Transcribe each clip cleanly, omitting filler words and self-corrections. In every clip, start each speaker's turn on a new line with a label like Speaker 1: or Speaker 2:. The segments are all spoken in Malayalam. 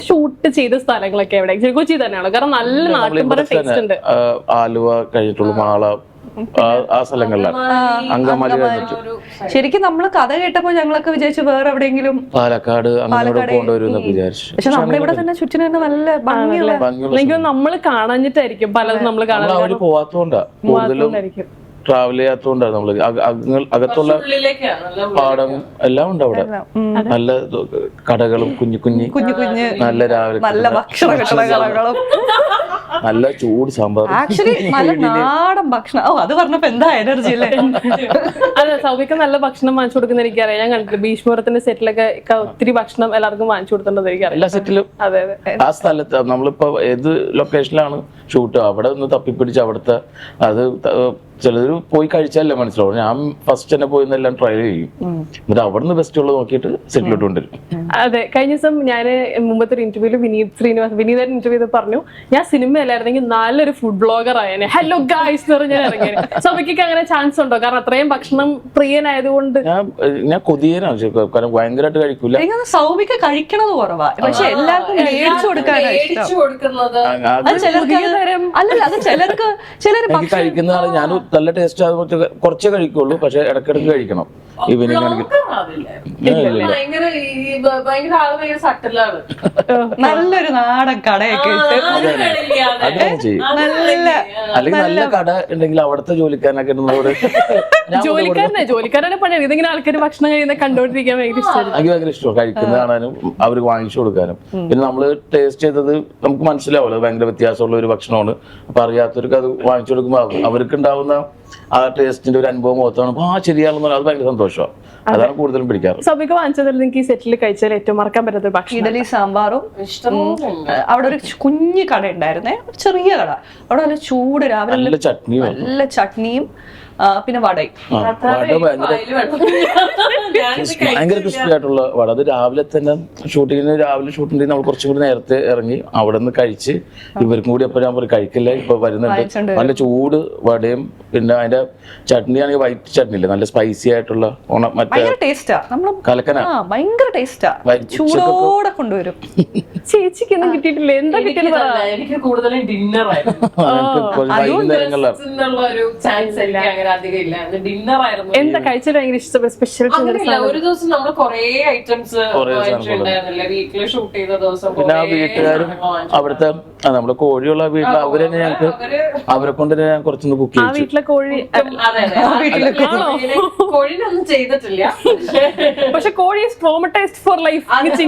Speaker 1: ഷൂട്ട് ചെയ്ത സ്ഥലങ്ങളൊക്കെ എവിടെ? കൊച്ചി തന്നെയാണോ? കാരണം നല്ല നാട്ടിൻപുറ ടേസ്റ്റ് ഉണ്ട്.
Speaker 2: ആലുവ കഴിഞ്ഞിട്ടുള്ള മാള ആ സ്ഥലങ്ങളിലാണ്. അങ്കമാലി
Speaker 3: ശരിക്കും നമ്മള് കഥ കേട്ടപ്പോ ഞങ്ങളൊക്കെ വിചാരിച്ചു വേറെ എവിടെയെങ്കിലും
Speaker 2: പാലക്കാട് അങ്ങനെ കൊണ്ടുവരുമെന്നൊക്കെ വിചാരിച്ചു.
Speaker 3: പക്ഷെ നമ്മുടെ ഇവിടെ തന്നെ ചുറ്റിന് തന്നെ നല്ല ഭംഗിയുള്ള
Speaker 1: എനിക്ക് നമ്മള് കാണാഞ്ഞിട്ടായിരിക്കും പലതും നമ്മള് കാണാൻ
Speaker 2: അവര് പോവാത്തോണ്ടാ കൂടുതലും ട്രാവൽ ചെയ്യാത്തോണ്ടാണ് നമ്മള് അകത്തുള്ള പാടം എല്ലാം ഉണ്ട് അവിടെ. നല്ല കടകളും കുഞ്ഞു കുഞ്ഞു നല്ല രാവിലെ
Speaker 3: നല്ല ഭക്ഷണ കടകളും
Speaker 2: നല്ല ചൂട് സാമ്പാർ,
Speaker 3: ആക്ച്വലി നല്ല നാടൻ ഭക്ഷണം. ഓ അത് പറഞ്ഞപ്പോ എന്താ എനർജി അല്ലേ.
Speaker 1: അതെ, സൗബിക്ക് നല്ല ഭക്ഷണം വാങ്ങിച്ചു കൊടുക്കുന്ന എനിക്കറിയാം. ഞാൻ കണ്ടിട്ട് ഭീഷ്മപുരത്തിന്റെ സെറ്റിലൊക്കെ ഒത്തിരി ഭക്ഷണം എല്ലാവർക്കും വാങ്ങിച്ചു കൊടുത്തിട്ടുണ്ട് എനിക്കറിയാം.
Speaker 2: എല്ലാ സെറ്റിലും
Speaker 1: അതെ അതെ.
Speaker 2: ആ സ്ഥലത്ത് നമ്മളിപ്പോ ഏത് ലൊക്കേഷനിലാണ് ഷൂട്ട് അവിടെ ഒന്ന് തപ്പിപ്പിടിച്ച് അവിടുത്തെ അത് ചിലര് പോയി കഴിച്ചാലേ മനസ്സിലാവും. ഞാൻ ഫസ്റ്റ് തന്നെ പോയി എല്ലാം ട്രൈ ചെയ്യും, എന്നിട്ട് അവിടെ നിന്ന് ബെസ്റ്റ് ഉള്ളത് നോക്കിയിട്ട് സെറ്റിലോട്ട് കൊണ്ടുവരും.
Speaker 1: അതെ, കഴിഞ്ഞ ദിവസം ഞാൻ മുമ്പത്തെ ഒരു ഇന്റർവ്യൂല് വിനീതൻ ഇന്റർവ്യൂ ചെയ്ത് പറഞ്ഞു, ഞാൻ സിനിമയിലായിരുന്നെങ്കിൽ നല്ലൊരു ഫുഡ് ബ്ലോഗർ ആയേനെ, ഹലോ ഗായ്സ് എന്ന് പറഞ്ഞാൽ ഇറങ്ങിയത്. സൗബിക്ക് അങ്ങനെ ചാൻസ് ഉണ്ടോ? കാരണം അത്രയും ഭക്ഷണം പ്രിയനായതുകൊണ്ട്.
Speaker 2: ഞാൻ കൊതിയനാണ്, കാരണം ഭയങ്കരമായിട്ട് കഴിക്കൂല.
Speaker 3: സൗബിക്ക് കഴിക്കണത് കുറവാ, പക്ഷെ എല്ലാവർക്കും മേടിച്ചു കൊടുക്കുന്നത്. അല്ലല്ല, അത് ചിലർക്ക്
Speaker 2: കഴിക്കുന്നതാണ്. ഞാൻ നല്ല ടേസ്റ്റ് കുറച്ചേ കഴിക്കുള്ളൂ, പക്ഷെ ഇടക്കിടക്ക് കഴിക്കണം. ഈവനിങ് ആണെങ്കിൽ
Speaker 3: നല്ലൊരു നാടൻ കടയൊക്കെ ഇട്ട്
Speaker 2: അല്ലെങ്കിൽ നല്ല കട ഉണ്ടെങ്കിൽ അവിടുത്തെ ജോലിക്കാരനൊക്കെ
Speaker 1: ജോലിക്കാരനെ പണിയാണ്. ഇതിങ്ങനെ ആൾക്കാർ ഭക്ഷണം കഴിയുന്ന കണ്ടോണ്ടിരിക്കാൻ ഭയങ്കര ഇഷ്ടമാണ്.
Speaker 2: എനിക്ക് ഭയങ്കര ഇഷ്ടമാണ് കഴിക്കുന്നത് കാണാനും അവർക്ക് വാങ്ങിച്ചു കൊടുക്കാനും. പിന്നെ നമ്മള് ടേസ്റ്റ് ചെയ്തത് നമുക്ക് മനസ്സിലാവുമല്ലോ, ഭയങ്കര വ്യത്യാസമുള്ള ഒരു ഭക്ഷണമാണ്. അപ്പൊ അറിയാത്തവർക്ക് അത് വാങ്ങിച്ചു കൊടുക്കുമ്പോൾ അവർക്ക് ഉണ്ടാവുന്ന ആ ടേസ്റ്റിന്റെ ഒരു അനുഭവം മൊത്തമാണ് ശരിയാണെന്ന് പറഞ്ഞാൽ അത് ഭയങ്കര സന്തോഷമാണ്. അതാണ് കൂടുതലും പിടിക്കാറ്.
Speaker 1: സൗബിക്ക് വാങ്ങിച്ചതിൽ നിങ്ങൾക്ക് ഈ സെറ്റിൽ കഴിച്ചാൽ ഏറ്റവും മറക്കാൻ പറ്റാത്ത ഭക്ഷണം?
Speaker 3: ഇഡലി സാമ്പാറും. അവിടെ ഒരു കുഞ്ഞു കട ഉണ്ടായിരുന്നേ, ചെറിയ കട. അവിടെ നല്ല ചൂട് രാവിലെ നല്ല ചട്നിയും പിന്നെ വടയും.
Speaker 2: ഭയങ്കര ക്രിസ്പി ആയിട്ടുള്ള വട. അത് രാവിലെ തന്നെ ഷൂട്ടിങ്ങിന് നമ്മൾ കുറച്ചും കൂടി നേരത്തെ ഇറങ്ങി അവിടെ നിന്ന് കഴിച്ച് ഇവർക്കും കൂടി അപ്പൊ ഞാൻ കഴിക്കില്ല, ഇപ്പൊ വരുന്നുണ്ട് നല്ല ചൂട് വടയും. പിന്നെ അതിന്റെ ചട്നി ആണെങ്കിൽ വൈറ്റ് ചട്നി ഇല്ലേ, നല്ല സ്പൈസി ആയിട്ടുള്ള കലക്കന,
Speaker 3: ഭയങ്കര ടേസ്റ്റാ. ചൂടോടെ കൊണ്ടുവരും.
Speaker 1: ചേച്ചിക്ക് ഒന്നും കിട്ടിയിട്ടില്ല? എന്താ കിട്ടിയത്?
Speaker 4: എനിക്ക് കൂടുതലും ഡിന്നർ ആയിരുന്നു.
Speaker 1: എന്താ കഴിച്ചത് ഭയങ്കര ഇഷ്ടപ്പെട്ട സ്പെഷ്യൽ?
Speaker 4: ഒരു ദിവസം നമ്മൾ കൊറേ ഐറ്റംസ് വാങ്ങിച്ചിട്ടുണ്ടായിരുന്നില്ല വീട്ടില് ഷൂട്ട് ചെയ്ത ദിവസം.
Speaker 2: പിന്നെ ആ വീട്ടുകാരും അവിടുത്തെ നമ്മള് കോഴിയുള്ള വീട്ടിൽ അവരെ ഞങ്ങൾക്ക് അവരെ കൊണ്ട് ഞാൻ കുറച്ചൊന്ന് കുക്ക് ചെയ്തു.
Speaker 1: വീട്ടിലെ കോഴി
Speaker 4: കോഴിനൊന്നും ചെയ്തിട്ടില്ല,
Speaker 1: പക്ഷെ കോഴി ട്രോമറ്റൈസ്ഡ് ഫോർ ലൈഫ്.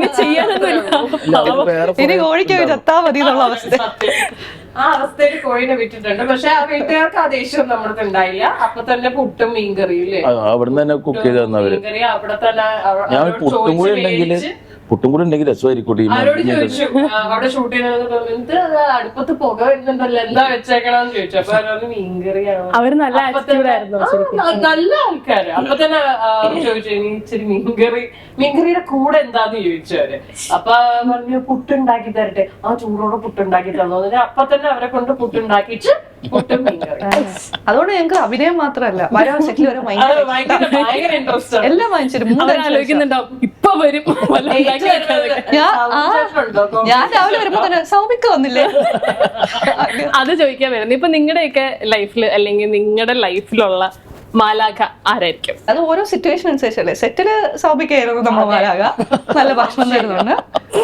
Speaker 3: ഇനി കോഴിക്ക് ചത്താ മതി എന്നുള്ള അവസ്ഥ.
Speaker 4: ആ അവസ്ഥയിൽ കോഴിനെ വിട്ടിട്ടുണ്ട്. പക്ഷെ ആ വീട്ടുകാർക്ക് ആ ദേഷ്യം നമ്മുടെ ഉണ്ടായില്ല. അപ്പൊ തന്നെ പുട്ടും മീൻകറിയില്ലേ
Speaker 2: അവിടുന്ന് തന്നെ കുക്ക് ചെയ്ത് തന്നവര്.
Speaker 4: അവിടെ തന്നെ
Speaker 2: ഞാൻ പുട്ടും കൂടി ഉണ്ടെങ്കിൽ രസമായിരിക്കും.
Speaker 4: അവരോട് ചോദിച്ചു അവിടെ ഷൂട്ട് ചെയ്യുന്നത് അടുപ്പത്ത് പുക വരുന്നുണ്ടല്ലോ, എന്താ വെച്ചേക്കണെന്ന് ചോദിച്ചു. അപ്പൊ അവരോട് മീൻകറിയാണ്.
Speaker 1: അവര് നല്ല
Speaker 4: നല്ല ആൾക്കാര്. അപ്പൊ തന്നെ ചോദിച്ചു ഇച്ചിരി മീൻകറിയുടെ കൂടെ എന്താന്ന് ചോദിച്ചു അവര്. അപ്പൊ പറഞ്ഞു പുട്ടുണ്ടാക്കി തരട്ടെ. ആ ചൂടോടെ പുട്ടുണ്ടാക്കി തന്നു. അപ്പൊ തന്നെ അവരെ കൊണ്ട് പുട്ടുണ്ടാക്കിച്ച് പുട്ടും മീൻകറി.
Speaker 3: അതുകൊണ്ട് ഞങ്ങൾക്ക് അഭിനയം മാത്രമല്ല, വരാൻ സെറ്റിൽ വരെ
Speaker 4: ഭയങ്കര ഇൻട്രസ്റ്റ് ആണ്.
Speaker 3: എല്ലാം
Speaker 1: ആലോചിക്കുന്നുണ്ടാവും ഇപ്പൊ വരും.
Speaker 3: ഞാൻ രാവിലെ വരുമ്പോ തന്നെ സൗമിക്ക് വന്നില്ലേ
Speaker 1: അത് ചോദിക്കാൻ വരുന്നത്. ഇപ്പൊ നിങ്ങളുടെയൊക്കെ ലൈഫിൽ അല്ലെങ്കിൽ നിങ്ങളുടെ ലൈഫിലുള്ള മാലാഖ ആരായിരിക്കും?
Speaker 3: അത് ഓരോ സിറ്റുവേഷൻ അനുസരിച്ചല്ലേ. സെറ്റില് സൗമിക്കായിരുന്നു നമ്മൾ മാലാഖ, നല്ല ഭക്ഷണം തരുന്നുണ്ട്.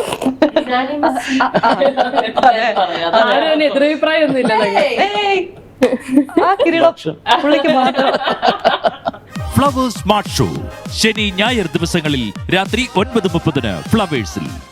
Speaker 1: ആരും എതിരഭിപ്രായം ഒന്നും ഇല്ല.
Speaker 3: ആ കിരീടം പുള്ളിക്ക് മാത്രം.
Speaker 5: ഫ്ലവേഴ്സ് സ്മാർട്ട് ഷോ ശനി ഞായർ ദിവസങ്ങളിൽ രാത്രി 9:30 ഫ്ലവേഴ്സിൽ.